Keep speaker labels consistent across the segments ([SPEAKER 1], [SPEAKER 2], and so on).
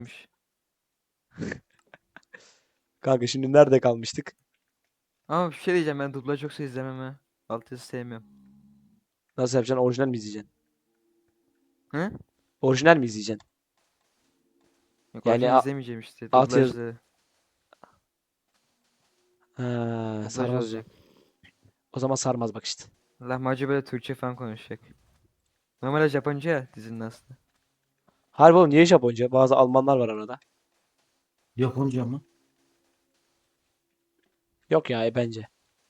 [SPEAKER 1] Kanka şimdi nerede kalmıştık?
[SPEAKER 2] Ama bir şey diyeceğim, ben dublaj yoksa izlemem ha. Altyazı sevmiyorum.
[SPEAKER 1] Nasıl yapacaksın? Orijinal mi izleyeceksin?
[SPEAKER 2] Hı?
[SPEAKER 1] Orijinal mi izleyeceksin?
[SPEAKER 2] Yok,
[SPEAKER 1] Yani
[SPEAKER 2] orijinal izlemeyeceğim işte.
[SPEAKER 1] altyazı...
[SPEAKER 2] Dublaj
[SPEAKER 1] Sarmaz o zaman.
[SPEAKER 2] olacak.
[SPEAKER 1] O zaman sarmaz bak işte.
[SPEAKER 2] Lahmacun böyle Türkçe falan konuşacak. Normalde Japonca ya dizinin aslında.
[SPEAKER 1] Harbi oğlum niye Japonca? Bazı Almanlar var arada.
[SPEAKER 3] Japonca mı?
[SPEAKER 1] Yok ya bence.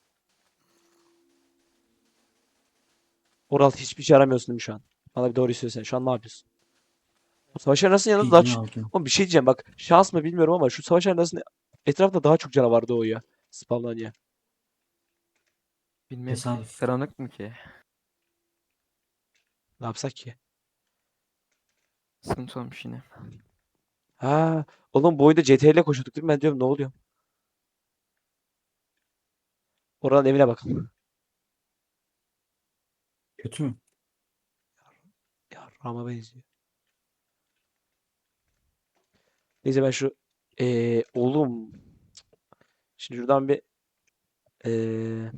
[SPEAKER 1] Oral hiçbir şey aramıyorsun değil mi şu an? Bana bir doğruyu söylesene. Şu an ne yapıyorsun? Bu savaş arenasının yanında daha
[SPEAKER 3] Pidgin
[SPEAKER 1] çok...
[SPEAKER 3] aldım.
[SPEAKER 1] Oğlum bir şey diyeceğim bak. Şans mı bilmiyorum ama şu savaş arenasının etrafında daha çok canavar doğuyor. Spawnlanıyor.
[SPEAKER 2] Bilmiyorum ki.
[SPEAKER 3] Tesadüf.
[SPEAKER 2] Karanlık mı ki?
[SPEAKER 1] Ne yapsak ki?
[SPEAKER 2] Sıkıntı olmuş yine.
[SPEAKER 1] Ha, oğlum bu oyunda CTRL ile koşuyorduk değil mi? Ben diyorum ne oluyor? Oranın evine bakalım.
[SPEAKER 3] Kötü mü?
[SPEAKER 1] Ya Rama benziyor. Neyse ben şu oğlum şimdi şuradan bir eee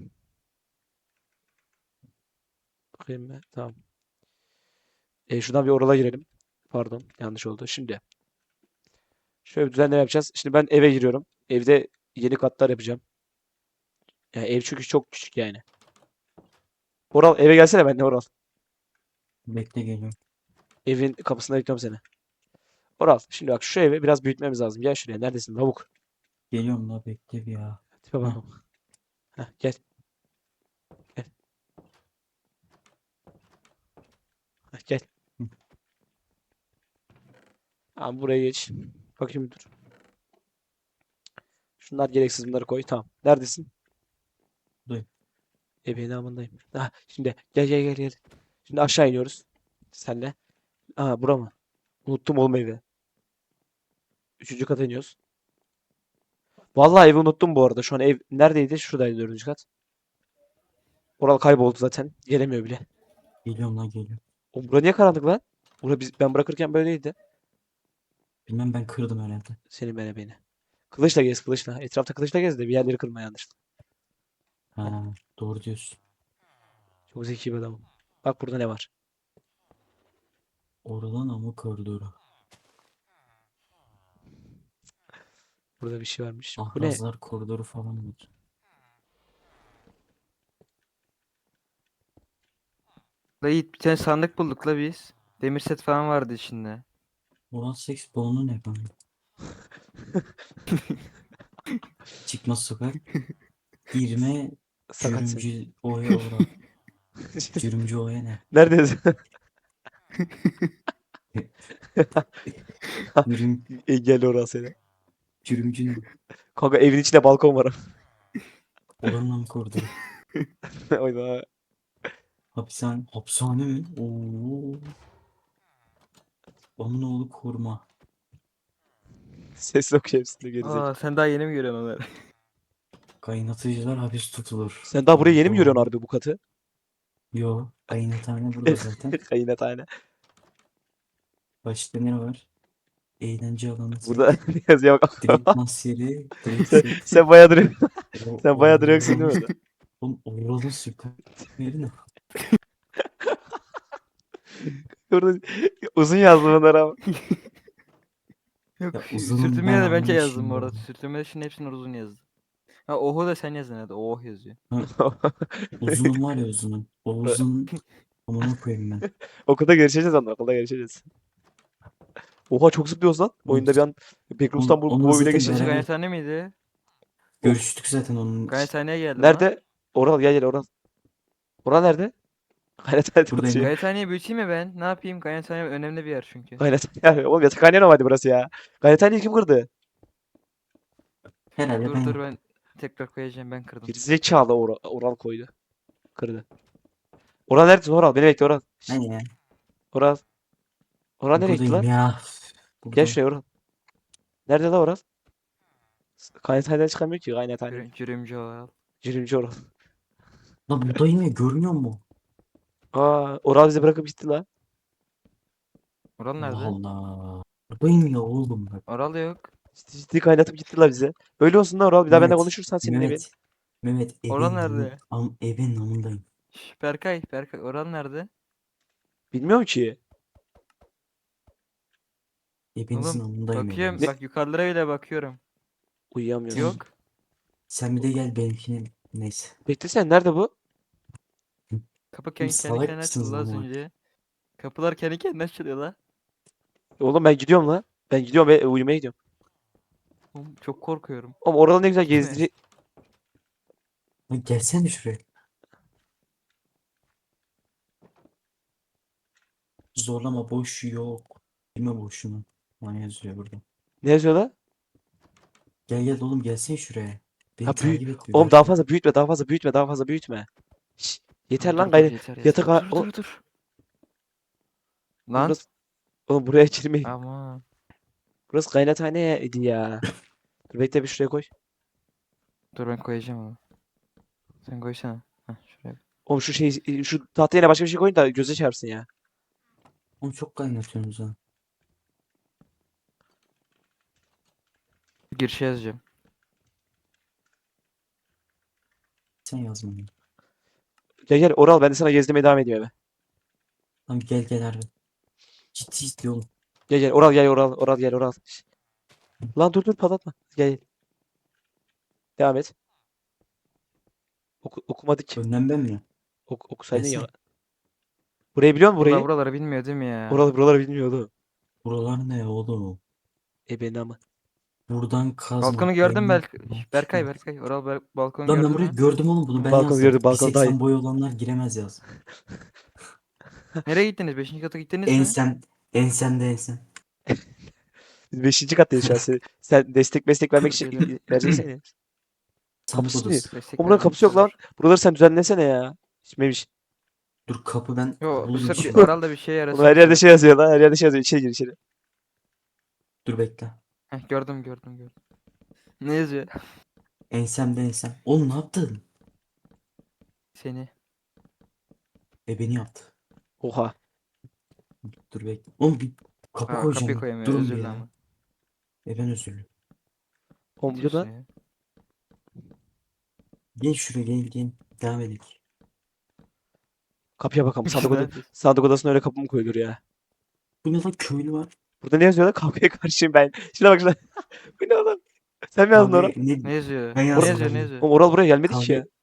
[SPEAKER 1] bakayım ben. Tamam. Şuradan bir orala girelim. Pardon, yanlış oldu. Şimdi şöyle bir düzenleme yapacağız. Şimdi ben eve giriyorum. Evde yeni katlar yapacağım. Yani ev çünkü çok küçük yani. Oral eve gelsene ben de Oral.
[SPEAKER 3] Bekle geliyorum.
[SPEAKER 1] Evin kapısında bekliyorum seni. Oral şimdi bak şu evi biraz büyütmemiz lazım. Gel şuraya. Neredesin? Lavuk.
[SPEAKER 3] Geliyorum la bekle bir ya.
[SPEAKER 1] Tipe
[SPEAKER 3] Heh.
[SPEAKER 1] bakalım. Heh, gel. Gel. Heh, gel.
[SPEAKER 3] Hı.
[SPEAKER 1] Tamam buraya geç. Bakayım dur. Şunlar gereksiz bunları koy. Tamam. Neredesin?
[SPEAKER 3] Buradayım.
[SPEAKER 1] Ebeğin amındayım. Ha, şimdi gel. Şimdi aşağı iniyoruz. Senle. Aa bura mı? Unuttum oğlum evi. Üçüncü kata iniyoruz. Vallahi evi unuttum bu arada. Şu an ev neredeydi? Şuradaydı dördüncü kat. Oral kayboldu zaten. Gelemiyor bile.
[SPEAKER 3] Geliyorum la geliyorum.
[SPEAKER 1] Oğlum bura niye karanlık lan? Ben bırakırken böyleydi.
[SPEAKER 3] Bilmem ben kırdım herhalde.
[SPEAKER 1] Senin beni. Kılıçla gez kılıçla. Etrafta kılıçla gez de bir yerleri kırma yanlışlıkla.
[SPEAKER 3] Ha, doğru diyorsun.
[SPEAKER 1] Çok zeki bir adamım. Bak burada ne var?
[SPEAKER 3] Oradan ama koridoru.
[SPEAKER 1] Burada bir şey varmış. Bu ne?
[SPEAKER 3] Ahrazlar koridoru falan mı?
[SPEAKER 2] La Yiğit, bir tane sandık bulduk la biz. Demir set falan vardı içinde.
[SPEAKER 3] Ulan seks balonu ne kanka? Çıkmaz sokak. Girme
[SPEAKER 1] Sakat sen.
[SPEAKER 3] cürümcü oya ora. Cürümcü oya ne?
[SPEAKER 1] Neredesin?
[SPEAKER 3] Cürüm,
[SPEAKER 1] Gel oraya seni.
[SPEAKER 3] cürümcü ne?
[SPEAKER 1] Kanka evin içinde balkon var.
[SPEAKER 3] Oranın mı koridoru?
[SPEAKER 1] Oyna.
[SPEAKER 3] Hapishane mi? Oo. Onun oğlu koruma.
[SPEAKER 1] Ses yok hepsinde gerizekalı.
[SPEAKER 2] Aa, sen daha yeni mi görüyorsun onları?
[SPEAKER 3] Kaynatıcılar hapis tutulur.
[SPEAKER 1] Sen daha buraya yeni mi görüyorsun
[SPEAKER 3] Oho.
[SPEAKER 1] harbi bu katı?
[SPEAKER 3] Yo. Kaynathane burada zaten.
[SPEAKER 1] Kayınathane.
[SPEAKER 3] Başka ne var? Eğlence alanı
[SPEAKER 1] Burada
[SPEAKER 3] set.
[SPEAKER 1] yazıya bak.
[SPEAKER 3] Drink mas yeri. Drink
[SPEAKER 1] Sen,
[SPEAKER 3] set.
[SPEAKER 1] sen bayağıdır
[SPEAKER 3] O,
[SPEAKER 1] sen bayağıdır yoksun değil
[SPEAKER 3] oranın,
[SPEAKER 1] mi?
[SPEAKER 3] oranın süper yeri ne?
[SPEAKER 1] Burada uzun yazdım onları ama.
[SPEAKER 2] Yok,
[SPEAKER 3] Ya uzunum ben
[SPEAKER 2] sürtünmeye de bence yazdım
[SPEAKER 3] anlamışım
[SPEAKER 2] orada.
[SPEAKER 3] böyle.
[SPEAKER 2] Sürtünmede şimdi hepsini uzun yazdım. Ha, oho da sen yazdın hadi. Oh yazıyor.
[SPEAKER 3] Ha, uzunum var ya uzunum. O uzun amına koyayım ben.
[SPEAKER 1] Okulda görüşeceğiz onunla. Okulda görüşeceğiz. Oha çok zıplıyoruz lan.
[SPEAKER 3] Oğlum,
[SPEAKER 1] Oyunda bir an Backroots'tan bu
[SPEAKER 3] onunla
[SPEAKER 1] oyuna
[SPEAKER 3] zaten
[SPEAKER 2] Burası
[SPEAKER 1] geçince.
[SPEAKER 3] beraber
[SPEAKER 2] gayethane miydi?
[SPEAKER 1] O,
[SPEAKER 3] görüştük zaten onun için.
[SPEAKER 2] Gayethaneye geldim lan.
[SPEAKER 1] nerede? Oral gel Oral. Oral nerede? Gayrethane'de
[SPEAKER 3] Buradayım
[SPEAKER 1] atıyor.
[SPEAKER 3] lan.
[SPEAKER 2] Gayethaneyi büyüteyim mi ben? Ne yapayım? Gayethane önemli bir yer çünkü.
[SPEAKER 1] Gayret. Oğlum yatakhane normalde burası ya. Gayrethaneyi kim kırdı?
[SPEAKER 3] Herhalde ben
[SPEAKER 2] Dur
[SPEAKER 3] yaptım.
[SPEAKER 2] ben tekrar koyacağım, ben kırdım.
[SPEAKER 1] Gerizekalı Oral koydu. Kırdı. Oral neredesin Oral? Beni bekle Oral. Şşt,
[SPEAKER 3] Hani ya.
[SPEAKER 1] Oral. Oral nereye gitti
[SPEAKER 3] Buradayım
[SPEAKER 1] lan?
[SPEAKER 3] ya.
[SPEAKER 1] Gel
[SPEAKER 3] Buradayım.
[SPEAKER 1] şuraya Oral. Nerede lan Oral? Gayrethane'den çıkamıyor ki Gayrethane'nin.
[SPEAKER 2] Cürümcü oğal.
[SPEAKER 1] Cürümcü Oral.
[SPEAKER 3] La buradayım ya görmüyor musun?
[SPEAKER 1] Aa, Oral bizi bırakıp gitti lan.
[SPEAKER 2] Oral
[SPEAKER 3] Allah
[SPEAKER 2] nerede?
[SPEAKER 3] Allah. Buradayım ya oğlum bak.
[SPEAKER 2] Oral yok.
[SPEAKER 1] Ciddi kaynatıp gittiler bize. Böyle olsun da Oral. Bir daha benimle
[SPEAKER 3] Mehmet.
[SPEAKER 1] konuşursan senin evin.
[SPEAKER 3] Mehmet. Mehmet
[SPEAKER 2] Oral
[SPEAKER 3] evin
[SPEAKER 2] nerede?
[SPEAKER 3] evin namındayım.
[SPEAKER 2] Şş, Berkay oral nerede?
[SPEAKER 1] Bilmiyorum ki.
[SPEAKER 3] Evinizin
[SPEAKER 2] Oğlum
[SPEAKER 3] namındayım
[SPEAKER 2] bakıyorum
[SPEAKER 3] eviniz.
[SPEAKER 2] bak yukarılara bile bakıyorum.
[SPEAKER 1] Uyuyamıyorum.
[SPEAKER 3] Sen,
[SPEAKER 2] Yok.
[SPEAKER 3] sen bir de gel benimkine. Neyse.
[SPEAKER 1] Beklesene nerede bu?
[SPEAKER 2] Kapı
[SPEAKER 3] Oğlum
[SPEAKER 2] kendi
[SPEAKER 3] salak
[SPEAKER 2] kendine
[SPEAKER 3] mısınız
[SPEAKER 2] açıldı az
[SPEAKER 3] lan bak.
[SPEAKER 2] önce. Kapılar kendi kendine açılıyor la.
[SPEAKER 1] Oğlum ben gidiyorum la. Ben gidiyorum ve uyumaya gidiyorum.
[SPEAKER 2] Oğlum, çok korkuyorum.
[SPEAKER 1] Oğlum oralı ne güzel
[SPEAKER 2] Gitme.
[SPEAKER 1] gezdirici.
[SPEAKER 3] Lan gelsene şuraya. Zorlama boş yok. Bilme boşuna. Lan yazıyor burada.
[SPEAKER 1] Ne yazıyor la?
[SPEAKER 3] Gel gel oğlum gelsene şuraya. Beni
[SPEAKER 1] Ha büyü.
[SPEAKER 3] takip et bir
[SPEAKER 1] Oğlum daha
[SPEAKER 3] Berkay.
[SPEAKER 1] fazla büyütme, daha fazla büyütme, daha fazla büyütme. Şş, yeter
[SPEAKER 2] Oğlum,
[SPEAKER 1] lan
[SPEAKER 2] dur
[SPEAKER 1] gayrı.
[SPEAKER 2] yeter
[SPEAKER 1] Yatak
[SPEAKER 2] yeter.
[SPEAKER 1] o
[SPEAKER 2] Dur.
[SPEAKER 1] oğlum
[SPEAKER 2] Lan.
[SPEAKER 1] burası, oğlum buraya girmeyin.
[SPEAKER 2] Ama.
[SPEAKER 1] Burası kaynathaneydi ya. Dur bekle bir şuraya koy.
[SPEAKER 2] Dur ben koyacağım onu. Sen koysana. Heh, şuraya.
[SPEAKER 1] Oğlum şu şey şu tahtaya yine başka bir şey koyun da göze çarpsın ya.
[SPEAKER 3] Oğlum çok kaynatıyorsunuz ha.
[SPEAKER 2] Girişe yazacağım.
[SPEAKER 3] Sen yazma onu.
[SPEAKER 1] Gel gel Oral ben de sana gezdirmeye devam ediyorum eve.
[SPEAKER 3] Tamam gel gel harbi. Ciddi istiyor oğlum.
[SPEAKER 1] Gel gel Oral gel Oral gel Oral. Şş. Lan dur patlatma. Gel. Devam et. Okumadık.
[SPEAKER 3] Önden ben mi?
[SPEAKER 1] Okusaydın ya.
[SPEAKER 3] Gelsene.
[SPEAKER 1] Burayı biliyor musun
[SPEAKER 2] Vallahi
[SPEAKER 1] burayı?
[SPEAKER 2] buraları bilmiyor değil mi ya?
[SPEAKER 1] Buraları bilmiyordu.
[SPEAKER 3] Buralar ne oğlum?
[SPEAKER 1] Benim ama.
[SPEAKER 3] Buradan kazma.
[SPEAKER 2] Balkonu gördün
[SPEAKER 3] Elma.
[SPEAKER 2] Şş, Berkay. Oral balkonu
[SPEAKER 3] Lan ben
[SPEAKER 2] gördün
[SPEAKER 3] burayı
[SPEAKER 2] mü?
[SPEAKER 3] gördüm oğlum bunu ben
[SPEAKER 1] Balkonu
[SPEAKER 3] yazdım.
[SPEAKER 1] gördüm balkon daha iyi.
[SPEAKER 3] 1.80 boy olanlar giremez yaz.
[SPEAKER 2] Nereye gittiniz? Beşinci kata gittiniz mi?
[SPEAKER 3] Ensem. Ensemde ensem.
[SPEAKER 1] Biz 5. kattayız şu an. Sen destek vermek için
[SPEAKER 2] Geliyorum.
[SPEAKER 1] vereceksen ya.
[SPEAKER 3] Sandık
[SPEAKER 1] Kapısı niye?
[SPEAKER 3] odası.
[SPEAKER 2] Destek
[SPEAKER 1] Oğlum buranın
[SPEAKER 2] vereceğim.
[SPEAKER 1] kapısı yok lan. Buraları sen düzenlesene ya. Hiçmemiş.
[SPEAKER 3] Dur kapı ben
[SPEAKER 2] Yo bu
[SPEAKER 3] buldum
[SPEAKER 2] sefer bir
[SPEAKER 3] şimdi.
[SPEAKER 2] Oral da bir şey
[SPEAKER 1] Oğlum
[SPEAKER 2] yarasın
[SPEAKER 1] her
[SPEAKER 2] bu
[SPEAKER 1] yerde
[SPEAKER 2] sefer.
[SPEAKER 1] şey yazıyor lan. Her yerde şey yazıyor. İçeri gir içeri.
[SPEAKER 3] Dur bekle.
[SPEAKER 2] Heh, gördüm. Ne yazıyor?
[SPEAKER 3] Ensemde ensem. Oğlum ne yaptın?
[SPEAKER 2] Seni.
[SPEAKER 3] Beni yaptı.
[SPEAKER 1] Oha.
[SPEAKER 3] Dur bekle. Oğlum bir kapı
[SPEAKER 2] Aa kapıyı
[SPEAKER 3] koyacağım.
[SPEAKER 2] koyamıyor.
[SPEAKER 3] Durun
[SPEAKER 2] Özür
[SPEAKER 3] bir
[SPEAKER 2] dilerim
[SPEAKER 3] ya.
[SPEAKER 2] ama.
[SPEAKER 3] Ben özürlü.
[SPEAKER 1] Oğlum
[SPEAKER 2] Ne
[SPEAKER 1] dur
[SPEAKER 2] diyorsun
[SPEAKER 1] lan.
[SPEAKER 2] ya?
[SPEAKER 3] Gel şuraya gel. Devam edelim.
[SPEAKER 1] Kapıya bakalım.
[SPEAKER 2] Biz ne yapıyoruz?
[SPEAKER 1] Sandık odasına öyle kapı mı koyulur ya?
[SPEAKER 3] Bu ne lan köylü var.
[SPEAKER 1] Burada ne yazıyor lan? Kavgaya karşıyım ben. Şuna bak şuna. Bu ne oğlum? Sen mi yazdın
[SPEAKER 3] Kavga
[SPEAKER 1] Oral?
[SPEAKER 3] ne?
[SPEAKER 2] Ne yazıyor?
[SPEAKER 3] Ben
[SPEAKER 2] Ne
[SPEAKER 3] yazdım
[SPEAKER 2] yazıyor?
[SPEAKER 3] ben
[SPEAKER 2] Ne
[SPEAKER 3] de.
[SPEAKER 2] yazıyor?
[SPEAKER 1] Oğlum Oral buraya gelmedi ki
[SPEAKER 3] Kavga
[SPEAKER 1] ya.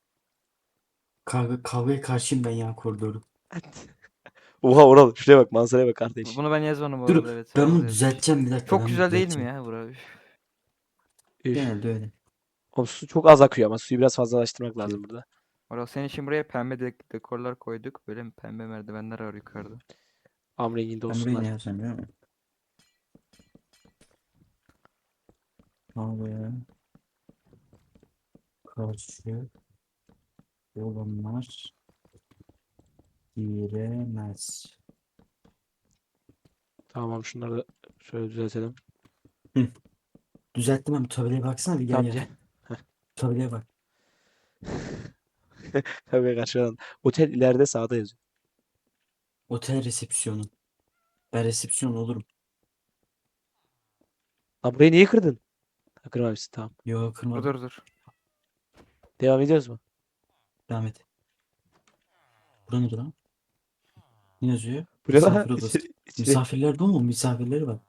[SPEAKER 3] kavgaya karşıyım ben ya koridoru.
[SPEAKER 1] Oha Oral. Şuraya bak. Manzaraya bak kardeş.
[SPEAKER 2] Bunu ben yazmadım bu
[SPEAKER 3] Dur
[SPEAKER 2] arada evet.
[SPEAKER 3] ben
[SPEAKER 2] Oral
[SPEAKER 3] bunu
[SPEAKER 2] yazmış.
[SPEAKER 3] düzelteceğim bir dakika
[SPEAKER 2] Çok
[SPEAKER 3] ben bunu
[SPEAKER 2] güzel değil mi
[SPEAKER 3] düzelteceğim.
[SPEAKER 2] ya bura? Üf.
[SPEAKER 1] Üf.
[SPEAKER 3] Genelde öyle.
[SPEAKER 1] Oğlum su çok az akıyor ama suyu biraz fazlalaştırmak lazım burada.
[SPEAKER 2] Oral senin için buraya pembe dekorlar koyduk. Böyle pembe merdivenler var yukarıda.
[SPEAKER 1] Am renginde
[SPEAKER 3] Ben burayı ne
[SPEAKER 1] olsunlar.
[SPEAKER 3] yazacağım biliyor musun? Kavgaya karşı olanlar giremez.
[SPEAKER 1] Tamam şunları da şöyle düzeltelim.
[SPEAKER 3] Hı. Düzelttim ben. Tabelaya baksana bir gel
[SPEAKER 1] Tamam
[SPEAKER 3] gel.
[SPEAKER 1] gel.
[SPEAKER 3] Tabelaya bak.
[SPEAKER 1] Tabii karşıdan. Otel ileride sağda yazıyor.
[SPEAKER 3] Otel resepsiyonu. Ben resepsiyon olurum.
[SPEAKER 1] Lan burayı niye kırdın? Ha, kırmamışsın tamam.
[SPEAKER 3] Yok kırmadım.
[SPEAKER 2] Dur.
[SPEAKER 1] Devam ediyoruz mu?
[SPEAKER 3] Devam et. Bura nedir lan? Ne yazıyor?
[SPEAKER 1] Bu ne lan?
[SPEAKER 3] Misafir odası.
[SPEAKER 1] İçeri.
[SPEAKER 3] Misafirler bu mu? Misafirleri var.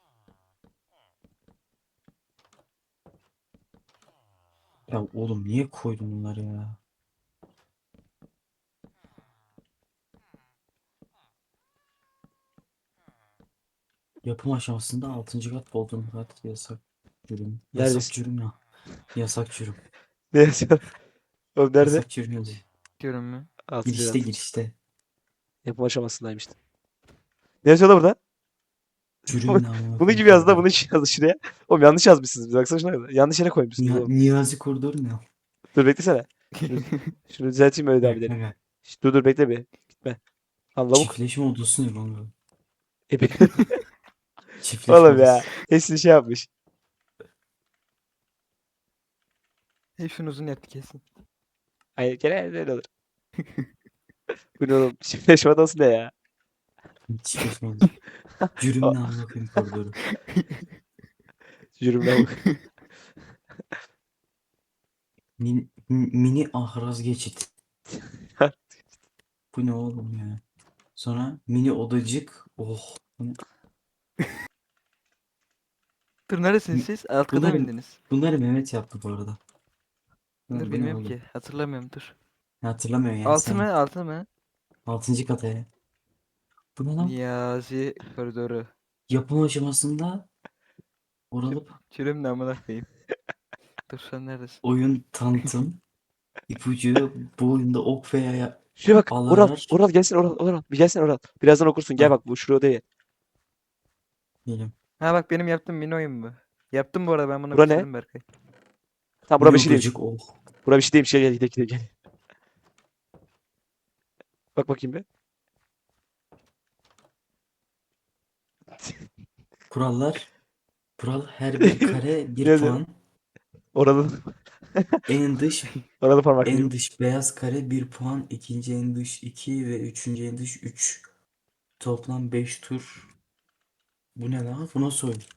[SPEAKER 3] Ya oğlum niye koydun bunları ya? Yapım aşamasında 6. kat Bodrum kat yasak cürüm. Yasak
[SPEAKER 1] Neredesin?
[SPEAKER 3] cürüm ya. Yasak cürüm.
[SPEAKER 1] Ne yazıyor? Oğlum nerede?
[SPEAKER 3] Yasak cürüm yazıyor.
[SPEAKER 2] Diyorum mu?
[SPEAKER 1] 6.
[SPEAKER 3] Girişte
[SPEAKER 1] kat.
[SPEAKER 3] girişte.
[SPEAKER 1] Yapım aşamasındaymış. Ne yazıyor da burada?
[SPEAKER 3] Cürüm ne amına
[SPEAKER 1] Bunun
[SPEAKER 3] koyayım
[SPEAKER 1] gibi yazdı da
[SPEAKER 3] koridor.
[SPEAKER 1] bunun için yazdı şuraya. Oğlum yanlış yazmışsınız. Bir baksana şuna. Yanlış yere koymuşsunuz oğlum.
[SPEAKER 3] Niyazi koridoru ne?
[SPEAKER 1] Dur beklesene. Şunu düzelteyim öyle devam
[SPEAKER 3] Evet,
[SPEAKER 1] edelim.
[SPEAKER 3] evet.
[SPEAKER 1] Şş, dur bekle bir. Gitme. Lan lavuk.
[SPEAKER 3] Çiftleşme odası ne kanka?
[SPEAKER 1] Ebe.
[SPEAKER 3] Çiftleşme
[SPEAKER 1] Oğlum ya.
[SPEAKER 3] odası.
[SPEAKER 1] Hepsini şey yapmış.
[SPEAKER 2] Hepsini uzun yaptı kesin.
[SPEAKER 1] Ay genelde öyle olur. Bu ne oğlum? Çiftleşme odası ne ya?
[SPEAKER 3] Hiç geçmedi.
[SPEAKER 1] Aa,
[SPEAKER 3] Cürümle amına koyayım koridoru.
[SPEAKER 1] cürümle bak.
[SPEAKER 3] Mini ahraz geçit. Bu ne oğlum ya? Sonra mini odacık. Oh.
[SPEAKER 2] Dur neredesiniz siz? Alt kata mı
[SPEAKER 3] Bunları,
[SPEAKER 2] indiniz?
[SPEAKER 3] bunları Mehmet yaptı bu arada.
[SPEAKER 2] Dur
[SPEAKER 3] Bu ne
[SPEAKER 2] bilmiyorum
[SPEAKER 3] oğlum?
[SPEAKER 2] ki. Hatırlamıyorum dur.
[SPEAKER 3] Hatırlamıyorsun ya
[SPEAKER 2] Altı
[SPEAKER 3] sen.
[SPEAKER 2] mı? Altı mı?
[SPEAKER 3] 6. kataya. Bu ne lan?
[SPEAKER 2] Niyazi koridoru.
[SPEAKER 3] Yapım aşamasında oralıp
[SPEAKER 2] Çürüm ne amına koyayım. Dur sen neredesin?
[SPEAKER 3] oyun tanıtım ipucu bu oyunda ok veya
[SPEAKER 1] Şuraya bak. Oral.
[SPEAKER 3] alar
[SPEAKER 1] Oral gelsin Oral. Oral. Bir gelsin Oral. Birazdan okursun. Gel
[SPEAKER 3] ha
[SPEAKER 1] bak bu şuraya odaya.
[SPEAKER 3] diyelim.
[SPEAKER 2] Ha bak benim yaptığım mini oyun bu. Yaptım bu arada ben bunu
[SPEAKER 1] Bura ne?
[SPEAKER 2] bitirdim Berkay.
[SPEAKER 1] Tamam bura
[SPEAKER 3] Mini
[SPEAKER 1] bir şey değilmiş.
[SPEAKER 3] odacık oh.
[SPEAKER 1] Bura bir şey değilmiş. Gel gel gidelim gidelim gel. Bak bakayım bir.
[SPEAKER 3] Kurallar. Kural her bir kare
[SPEAKER 1] Ne
[SPEAKER 3] bir
[SPEAKER 1] yazıyor?
[SPEAKER 3] puan.
[SPEAKER 1] Oralı.
[SPEAKER 3] En dış
[SPEAKER 1] Oralı parmaklayayım.
[SPEAKER 3] en dış beyaz kare bir puan. İkinci en dış 2 ve üçüncü en dış 3. Toplam 5 tur. Bu ne lan? Bu nasıl oyun?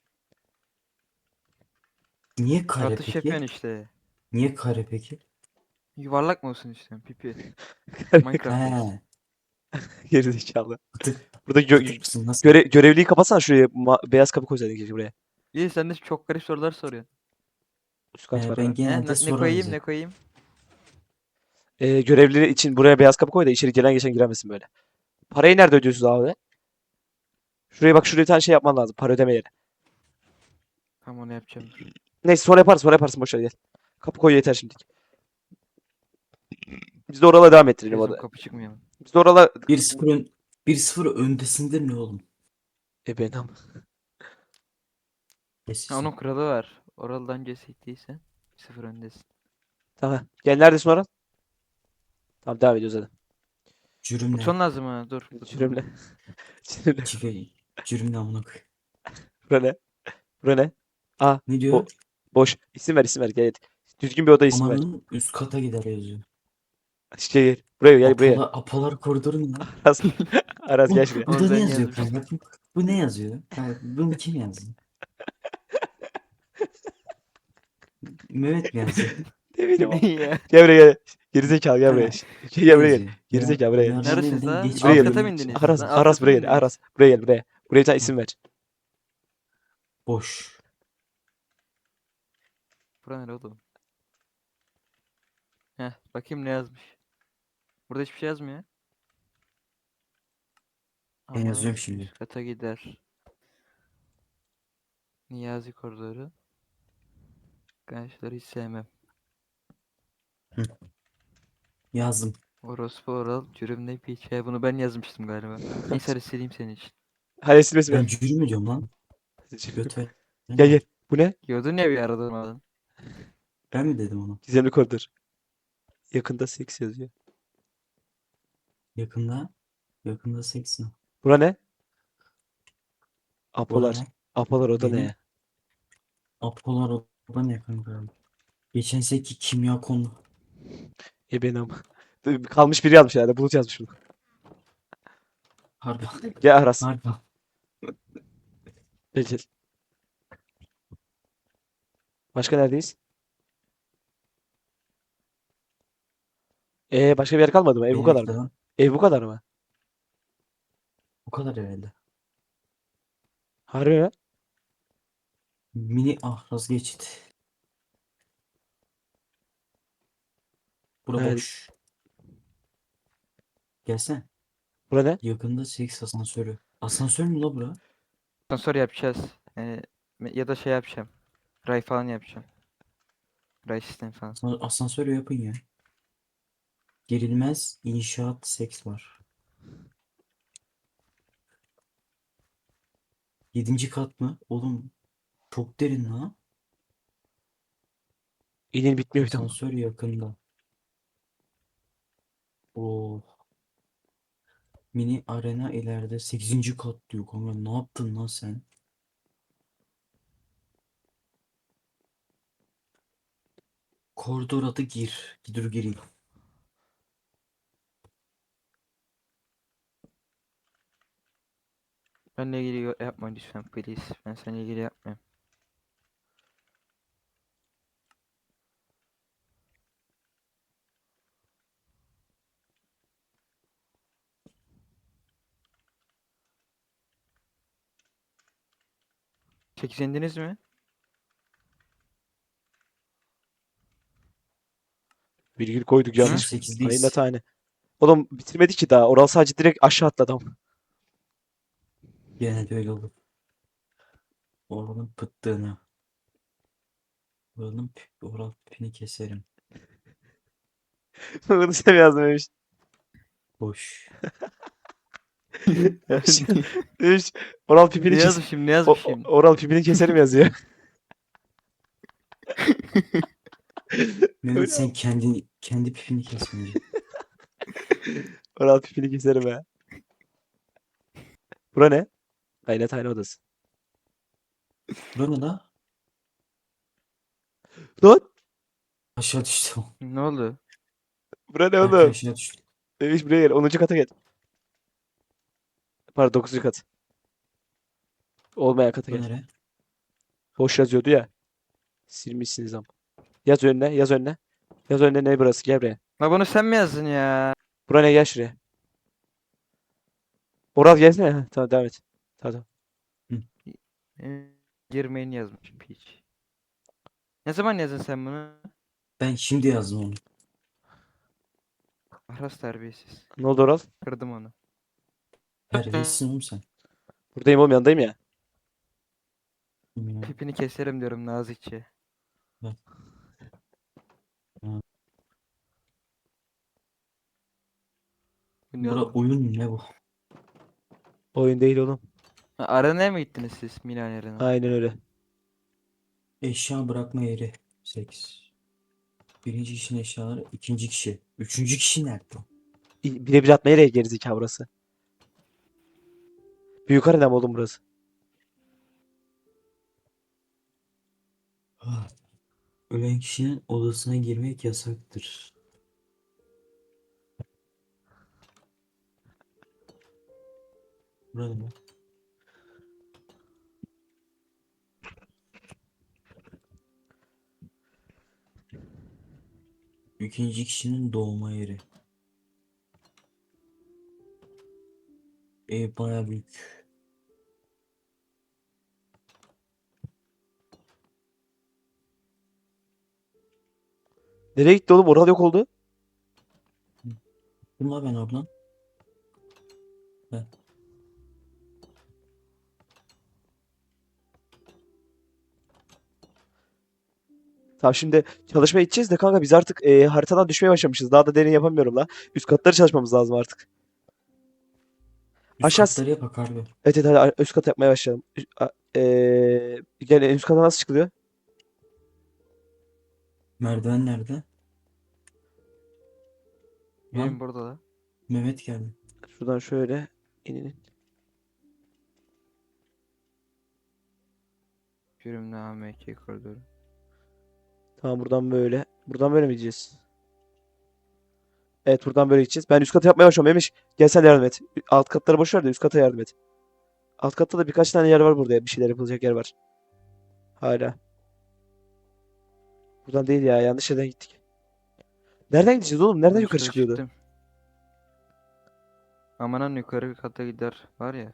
[SPEAKER 3] Niye kare
[SPEAKER 2] Atış
[SPEAKER 3] peki?
[SPEAKER 2] yapıyorsun işte.
[SPEAKER 3] Niye kare peki?
[SPEAKER 2] Yuvarlak mı olsun işte pipi. Minecraft mix.
[SPEAKER 3] He.
[SPEAKER 1] Gerizekalı.
[SPEAKER 3] Kıtık,
[SPEAKER 1] Burada
[SPEAKER 3] kıtık mısın lan sen?
[SPEAKER 1] görevliyi kapatsana şuraya. Beyaz kapı koysaydın keşke buraya.
[SPEAKER 2] İyi sen de çok garip sorular soruyorsun.
[SPEAKER 1] Üst kat var
[SPEAKER 3] Ben
[SPEAKER 1] ha.
[SPEAKER 2] He,
[SPEAKER 3] genelde
[SPEAKER 2] ne
[SPEAKER 3] soru
[SPEAKER 2] koyayım ne
[SPEAKER 3] alacak.
[SPEAKER 2] koyayım?
[SPEAKER 1] Görevlileri için buraya beyaz kapı koy da içeri gelen geçen giremesin böyle. Parayı nerede ödüyorsunuz abi? Şuraya bak şuraya bir tane şey yapman lazım. Para ödeme yeri.
[SPEAKER 2] Tamam onu yapacağım dur.
[SPEAKER 1] Neyse sonra yaparsın boş ver gel. Kapı koy yeter şimdilik. Biz de orala devam ettirelim o
[SPEAKER 2] Gözüm
[SPEAKER 1] da.
[SPEAKER 2] kapı çıkmıyor mu?
[SPEAKER 1] Biz de orala
[SPEAKER 3] 1-0 1-0 öndesindir ne oğlum?
[SPEAKER 1] ben ama.
[SPEAKER 2] Ha, onun
[SPEAKER 3] Geçsin.
[SPEAKER 2] kuralı var. Oraldan cesettiyse 0 öndesin.
[SPEAKER 1] Tamam. Gel neredesin oral? Tamam devam ediyoruz hadi.
[SPEAKER 3] Cürümle.
[SPEAKER 2] Buton lazım ha dur. Buton
[SPEAKER 1] Sürümle.
[SPEAKER 2] lazım.
[SPEAKER 1] Sürümle.
[SPEAKER 3] Çife. Cürümle amına koy.
[SPEAKER 1] Bura ne? Bura ne? Aa,
[SPEAKER 3] Ne
[SPEAKER 1] bo
[SPEAKER 3] diyor?
[SPEAKER 1] boş. İsim ver gel. Düzgün bir oda isim ver.
[SPEAKER 3] Amanın üst kata gider yazıyor.
[SPEAKER 1] Şey gel. Buraya gel buraya.
[SPEAKER 3] Apalar koridoru ne lan?
[SPEAKER 1] Aras. Aras gel şuraya.
[SPEAKER 3] Bu da ne
[SPEAKER 2] Oradan
[SPEAKER 3] yazıyor
[SPEAKER 2] yazmıştım.
[SPEAKER 3] kanka? Bu ne yazıyor? Yani bunu kim yazdı? Mehmet mi yazdı?
[SPEAKER 1] Ne bileyim
[SPEAKER 2] Ne
[SPEAKER 1] ama.
[SPEAKER 2] ya?
[SPEAKER 1] Gel buraya gel. Gerizekalı gel buraya.
[SPEAKER 3] Ha,
[SPEAKER 1] Gel
[SPEAKER 3] şey
[SPEAKER 1] buraya gel.
[SPEAKER 3] yazıyor.
[SPEAKER 1] Gerizekalı buraya gel.
[SPEAKER 3] Yarın
[SPEAKER 2] Neredesiniz
[SPEAKER 3] elden
[SPEAKER 2] la?
[SPEAKER 3] geç
[SPEAKER 1] Buraya
[SPEAKER 2] Alt
[SPEAKER 1] gel.
[SPEAKER 2] kata mı
[SPEAKER 3] gidebilmek için.
[SPEAKER 2] indiniz?
[SPEAKER 1] Aras,
[SPEAKER 2] Lan alt
[SPEAKER 1] Aras
[SPEAKER 2] kata mı
[SPEAKER 1] buraya gel.
[SPEAKER 2] indiniz?
[SPEAKER 1] Aras buraya gel buraya. Buraya bir tane
[SPEAKER 3] Ha,
[SPEAKER 1] isim ver.
[SPEAKER 3] boş.
[SPEAKER 2] Bura nere oğlum? Heh bakayım ne yazmış. Burada hiçbir şey yazmıyor.
[SPEAKER 3] Ben yazıyorum
[SPEAKER 2] Amalar
[SPEAKER 3] şimdi.
[SPEAKER 2] üst kata gider. Niyazi koridoru. Gençleri hiç sevmem.
[SPEAKER 3] Hı, yazdım.
[SPEAKER 2] Orospu oral. Cürüm piç. He, bunu ben yazmıştım galiba. Neyse hadi sileyim senin için.
[SPEAKER 1] Hadi silmesi ver.
[SPEAKER 3] Ben cürüm mü diyorum lan? Göt ver.
[SPEAKER 1] Gel
[SPEAKER 3] Ne
[SPEAKER 1] gel.
[SPEAKER 3] var?
[SPEAKER 1] Bu ne?
[SPEAKER 2] Diyordun ya bir arada durmadan.
[SPEAKER 3] Ben mi dedim onu?
[SPEAKER 1] Gizemli koridor. Yakında seks yazıyor.
[SPEAKER 3] Yakında. Yakında seksin.
[SPEAKER 1] Bura ne?
[SPEAKER 3] Bora
[SPEAKER 1] Apolar.
[SPEAKER 3] ne?
[SPEAKER 1] Apolar oda ne
[SPEAKER 3] Benim
[SPEAKER 1] ya?
[SPEAKER 3] Apolar oda ne kanka? Geçen seneki kimya konu.
[SPEAKER 1] Benim. Kalmış biri yazmış herhalde. Bulut yazmış bunu.
[SPEAKER 3] Harbi.
[SPEAKER 1] Gel Aras.
[SPEAKER 3] Harbi.
[SPEAKER 1] Gel gel. Başka neredeyiz? Başka bir yer kalmadı mı? Ev bu
[SPEAKER 3] Beni
[SPEAKER 1] kadar
[SPEAKER 3] bekle
[SPEAKER 1] mı?
[SPEAKER 3] lan.
[SPEAKER 1] Ev bu kadar mı?
[SPEAKER 3] Bu kadar herhalde.
[SPEAKER 1] Harbi mi?
[SPEAKER 3] Mini ahraz geçit. Bura
[SPEAKER 1] Evet.
[SPEAKER 3] boş. Gelsene.
[SPEAKER 1] Bura ne?
[SPEAKER 3] Yakında seks asansörü. Asansör mü la bura?
[SPEAKER 2] Sonra yapacağız. Ya da şey yapacağım. Ray falan yapacağım. Ray sistem falan.
[SPEAKER 3] Asansörü yapın ya. Gerilmez inşaat seks var. 7. kat mı? Oğlum çok derin la.
[SPEAKER 1] İnin bitmiyor bir de ama.
[SPEAKER 3] Asansör yakında. Oo. Mini arena ileride 8. kat diyor kanka. Ne yaptın lan sen? Koridor adı gir. Dur gireyim.
[SPEAKER 2] Benle ilgili yapma lütfen please. Ben seninle ilgili yapmayayım. Sekiz indiniz mi?
[SPEAKER 1] Virgül koyduk
[SPEAKER 3] Şu an
[SPEAKER 1] yanlış.
[SPEAKER 3] 8'deyiz.
[SPEAKER 1] Aynen tane. Oğlum bitirmedi ki daha. Oral sadece direkt aşağı atladı adam.
[SPEAKER 3] Gene de öyle olur. Oranın pıttığını. Oral pipini keserim.
[SPEAKER 1] Bunu sen yazmamış.
[SPEAKER 3] Boş.
[SPEAKER 1] Demiş, oral pipini
[SPEAKER 2] Ne
[SPEAKER 1] kes.
[SPEAKER 2] yazmışım ne yazmışım?
[SPEAKER 1] Oral pipini keserim yazıyor.
[SPEAKER 3] Mehmet
[SPEAKER 1] Öyle
[SPEAKER 3] sen kendi pipini kes bence.
[SPEAKER 1] oral pipini keserim ha. Bura ne? Aynen tane odası.
[SPEAKER 3] Bura ne la?
[SPEAKER 1] Lan!
[SPEAKER 3] Aşağı düştüm.
[SPEAKER 2] Ne oldu?
[SPEAKER 1] Bura ne
[SPEAKER 3] Belki
[SPEAKER 1] oğlum?
[SPEAKER 3] aşağı düştüm.
[SPEAKER 1] Demiş buraya gel. 10. kata gel. Pardon 9. kat. Olmayan kata
[SPEAKER 3] Bu
[SPEAKER 1] gel.
[SPEAKER 3] nere?
[SPEAKER 1] Boş yazıyordu ya. Silmişsiniz ama. Yaz önüne, yaz önüne. Yaz önüne ne burası? Gel buraya.
[SPEAKER 2] La bunu sen mi yazdın ya?
[SPEAKER 1] Bura ne? Gel şuraya. Oral gelsene. Heh, tamam devam et. Tamam.
[SPEAKER 2] Girmeyin yazmışım piç. Ne zaman yazdın sen bunu?
[SPEAKER 3] Ben şimdi yazdım onu.
[SPEAKER 2] Ahras terbiyesiz.
[SPEAKER 1] Ne oldu Oral?
[SPEAKER 2] Kırdım onu.
[SPEAKER 3] Terbiyesizsin oğlum sen.
[SPEAKER 1] Buradayım oğlum yanındayım ya.
[SPEAKER 3] Ya.
[SPEAKER 2] Pipini keserim diyorum nazikçe.
[SPEAKER 3] Bak. Ha.
[SPEAKER 2] Bu ne
[SPEAKER 3] Bura
[SPEAKER 2] oğlum?
[SPEAKER 3] oyun ne bu?
[SPEAKER 1] Oyun değil oğlum.
[SPEAKER 2] Ha, arenaya mı gittiniz siz Milan Arena?
[SPEAKER 1] Aynen öyle.
[SPEAKER 3] Eşya bırakma yeri. 8. Birinci kişinin eşyaları. İkinci kişi. Üçüncü kişi nerede?
[SPEAKER 1] Birebir atma yere gerizekalı burası. Büyük arena mı oğlum burası?
[SPEAKER 3] Ah. Ölen kişinin odasına girmek yasaktır. Burada mı? İkinci kişinin doğma yeri. Ev baya büyük.
[SPEAKER 1] Nereye gitti oğlum? Oral yok oldu.
[SPEAKER 3] Bunlar ben oradan.
[SPEAKER 1] Tamam şimdi çalışmaya gideceğiz de kanka biz artık haritadan düşmeye başlamışız. Daha da derin yapamıyorum la. Üst katları çalışmamız lazım artık.
[SPEAKER 3] Üst
[SPEAKER 1] Aşağı...
[SPEAKER 3] katları yapak harbi.
[SPEAKER 1] Evet evet hadi üst kat yapmaya başlayalım. Gel en üst kata nasıl çıkılıyor?
[SPEAKER 3] Merdiven nerede?
[SPEAKER 2] Benim
[SPEAKER 3] Lan
[SPEAKER 2] burada da.
[SPEAKER 3] Mehmet geldi.
[SPEAKER 1] Şuradan şöyle inin.
[SPEAKER 2] Yürümle AMK koridoru.
[SPEAKER 1] Tamam buradan böyle. Buradan böyle mi gideceğiz? Evet buradan böyle gideceğiz. Ben üst kata yapmaya başlıyorum. Memiş gel sen yardım et. Alt katları boş ver de üst kata yardım et. Alt katta da birkaç tane yer var burada. Bir şeyler yapılacak yer var. Hala. Buradan değil ya. Yanlış yerden gittik. Nereden gideceğiz oğlum? Nereden
[SPEAKER 2] Ben
[SPEAKER 1] yukarı
[SPEAKER 2] üstte
[SPEAKER 1] çıkıyordu?
[SPEAKER 2] çıktım. Amanan yukarı kata gider var ya.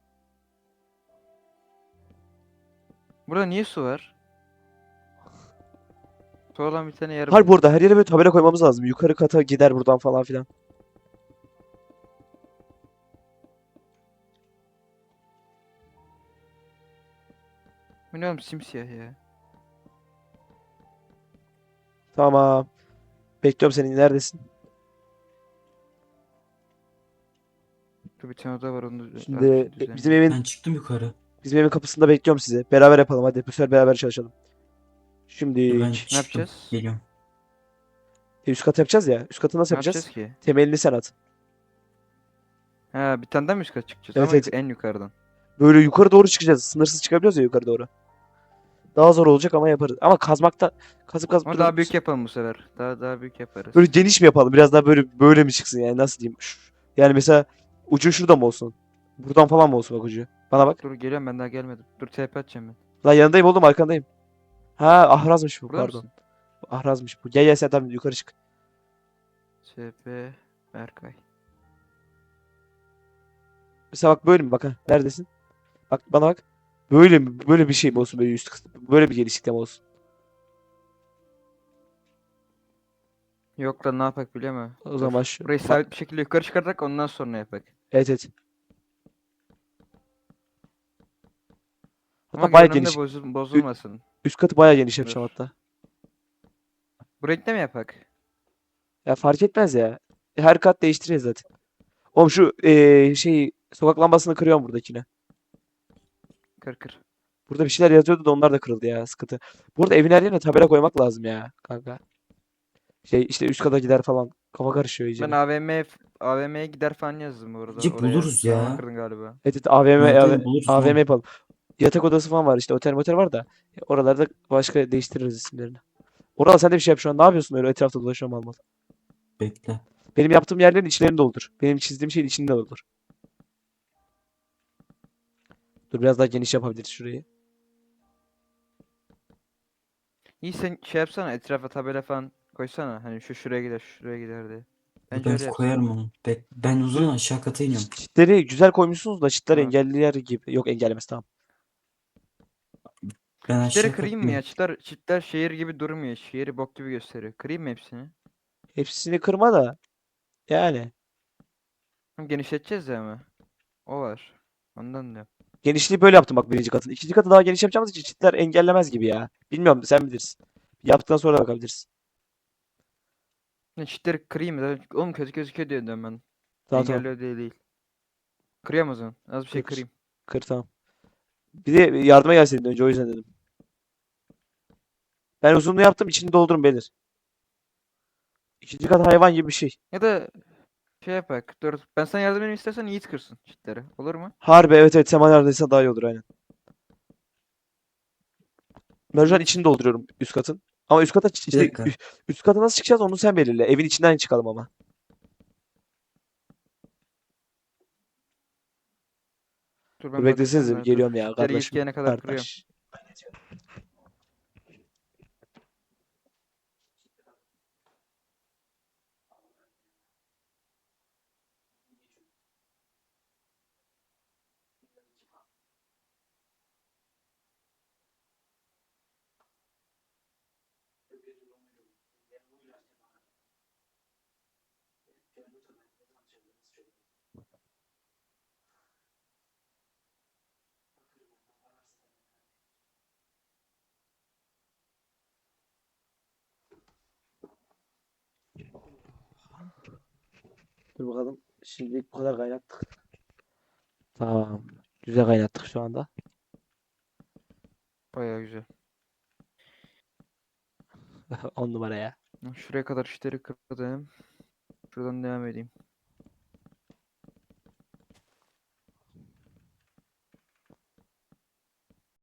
[SPEAKER 2] Burada niye su var? Su olan bir tane yer
[SPEAKER 1] Harbi
[SPEAKER 2] buldum.
[SPEAKER 1] burada her yere böyle tabela koymamız lazım. Yukarı kata gider buradan falan filan.
[SPEAKER 2] Bu ne oğlum simsiyah ya.
[SPEAKER 1] Tamam. Bekliyorum seni. Neredesin?
[SPEAKER 2] Dur bir tane oda var onu az
[SPEAKER 1] Şimdi
[SPEAKER 2] bir şey
[SPEAKER 1] bizim
[SPEAKER 2] düzenleyeyim.
[SPEAKER 1] evin
[SPEAKER 3] Ben çıktım yukarı.
[SPEAKER 1] kapısında bekliyorum sizi. Beraber yapalım hadi. Bu sefer beraber çalışalım.
[SPEAKER 3] Dur ben
[SPEAKER 1] Şimdi
[SPEAKER 3] çıktım.
[SPEAKER 2] yapacağız?
[SPEAKER 3] Geliyorum.
[SPEAKER 1] üst kat yapacağız ya. Üst katı nasıl
[SPEAKER 2] Ne
[SPEAKER 1] yapacağız?
[SPEAKER 2] yapacağız ki?
[SPEAKER 1] Temelini sen at.
[SPEAKER 2] Ha bir tane daha mı üst kata çıkacağız
[SPEAKER 1] Evet,
[SPEAKER 2] ama
[SPEAKER 1] evet.
[SPEAKER 2] en yukarıdan.
[SPEAKER 1] Böyle yukarı doğru çıkacağız. Sınırsız çıkabiliyoruz ya yukarı doğru. Daha zor olacak ama yaparız. Ama kazmakta kazıp kazıp
[SPEAKER 2] Ama
[SPEAKER 1] duralım.
[SPEAKER 2] daha büyük yapalım bu sefer. Daha büyük yaparız.
[SPEAKER 1] Böyle geniş mi yapalım? Biraz daha böyle mi çıksın yani nasıl diyeyim? Yani mesela ucu şurada mı olsun? Buradan falan mı olsun bak ucu? Bana bak.
[SPEAKER 2] Dur geliyorum, ben daha gelmedim. Dur TP atacağım ben.
[SPEAKER 1] Lan yanındayım oğlum, arkandayım. Ha, ahrazmış bu,
[SPEAKER 2] Burada
[SPEAKER 1] pardon.
[SPEAKER 2] mısın?
[SPEAKER 1] Ahrazmış bu. Gel gel sen, tamam, yukarı çık.
[SPEAKER 2] TP Berkay.
[SPEAKER 1] Mesela bak, böyle mi, bak ha. Neredesin? Bak bana bak. Böyle mi? Böyle bir şey mi olsun, böyle üst kısmı? Böyle bir genişlikte mi olsun?
[SPEAKER 2] Yok lan, ne yapak biliyor musun?
[SPEAKER 1] O zaman
[SPEAKER 2] Dur.
[SPEAKER 1] şu.
[SPEAKER 2] Burayı sabit bir şekilde yukarı çıkararak ondan sonra yapak.
[SPEAKER 1] Evet evet.
[SPEAKER 2] Ama
[SPEAKER 1] Hatta baya
[SPEAKER 2] görünümde
[SPEAKER 1] geniş. Ü-
[SPEAKER 2] bozulmasın.
[SPEAKER 1] Üst katı baya geniş yapacağım
[SPEAKER 2] Dur.
[SPEAKER 1] hatta.
[SPEAKER 2] Bu renkte mi yapak?
[SPEAKER 1] Ya fark etmez ya. Her kat değiştireceğiz zaten. Oğlum şu şey, sokak lambasını kırıyorum buradakine.
[SPEAKER 2] Kır kır.
[SPEAKER 1] Burada bir şeyler yazıyordu da onlar da kırıldı ya, sıkıntı. Burada evin her yerine tabela koymak lazım ya kanka. Şey işte, üst kata gider falan. Kafa karışıyor
[SPEAKER 2] Ben
[SPEAKER 1] iyice.
[SPEAKER 2] AVM'ye gider falan yazdım bu arada
[SPEAKER 3] Cip
[SPEAKER 2] oraya.
[SPEAKER 3] buluruz
[SPEAKER 2] Sen onu
[SPEAKER 3] ya.
[SPEAKER 2] kırdın galiba.
[SPEAKER 1] Evet, evet, AVM,
[SPEAKER 3] Evet evet buluruz
[SPEAKER 1] AVM
[SPEAKER 3] lan.
[SPEAKER 1] yapalım. Yatak odası falan var işte, otel motel var da. Oralarda başka değiştiririz isimlerini. Oral, sen de bir şey yap şu an. Ne yapıyorsun öyle etrafta dolaşıyorum mal mal.
[SPEAKER 3] Bekle.
[SPEAKER 1] Benim yaptığım yerlerin içlerini doldur. Benim çizdiğim şeyin içini de doldur. Dur, biraz daha geniş yapabiliriz şurayı.
[SPEAKER 2] İyi, sen şey yapsana, etrafa tabela falan koysana. Hani şu şuraya gider, şu şuraya gider diye.
[SPEAKER 3] Dur
[SPEAKER 2] Bence
[SPEAKER 3] ben
[SPEAKER 2] öyle yapsana.
[SPEAKER 3] koyarım onu. Ben o zaman aşağı kata iniyorum.
[SPEAKER 1] Çitleri güzel koymuşsunuz da çitler
[SPEAKER 2] Tamam.
[SPEAKER 1] engelliler gibi. Yok, engellemez, tamam.
[SPEAKER 3] Ben
[SPEAKER 2] Çitleri
[SPEAKER 3] aşağı
[SPEAKER 2] kırayım mı ya?
[SPEAKER 3] katlıyorum.
[SPEAKER 2] Çitler şehir gibi durmuyor. Şehri bok gibi gösteriyor. Kırayım mı hepsini?
[SPEAKER 1] Hepsini kırma da yani.
[SPEAKER 2] Hem genişleteceğiz ya ama. O var. Ondan diyorum.
[SPEAKER 1] Genişliği böyle yaptım bak, birinci katın. İkinci katı daha geniş yapacağımız için çitler engellemez gibi ya. Bilmiyorum, sen bilirsin. Yaptıktan sonra da bakabiliriz.
[SPEAKER 2] Ne, çitleri kırayım mı? Zaten oğlum kötü gözüküyor diye diyorum ben.
[SPEAKER 1] Tamam tamam.
[SPEAKER 2] Engelliyor diye değil. Kırıyorum o zaman. Az bir
[SPEAKER 1] Kır
[SPEAKER 2] şey
[SPEAKER 1] kır.
[SPEAKER 2] kırayım.
[SPEAKER 1] Kır, tamam. Bir de yardıma gelseydin önce, o yüzden dedim. Ben uzunluğu yaptım, içini doldurun beyler. İkinci kat hayvan gibi bir şey.
[SPEAKER 2] Ya da şey yapak. Dur. Ben sana yardım edeyim, istersen Yiğit kırsın çitleri. Olur mu?
[SPEAKER 1] Harbi, evet evet, sen bana yardım etsen daha iyi olur, aynen. Ben şu an içini dolduruyorum üst katın. Ama üst kata
[SPEAKER 3] Bir
[SPEAKER 1] işte,
[SPEAKER 3] dakika.
[SPEAKER 1] üst kata nasıl çıkacağız onu sen belirle. Evin içinden çıkalım ama.
[SPEAKER 2] Dur
[SPEAKER 1] Dur
[SPEAKER 2] ben bakacağım
[SPEAKER 1] beklesenize, bir
[SPEAKER 2] da, dur.
[SPEAKER 1] geliyorum ya
[SPEAKER 2] Çitleri Yiğit
[SPEAKER 1] kardeşim.
[SPEAKER 2] gelene kadar kırıyorum.
[SPEAKER 1] Kardeş. Dur bakalım. Şimdilik bu kadar kaynattık. Tamam. Güzel kaynattık şu anda.
[SPEAKER 2] Bayağı güzel.
[SPEAKER 1] 10 numara ya.
[SPEAKER 2] Şuraya kadar çitleri kırdım. Şuradan devam edeyim.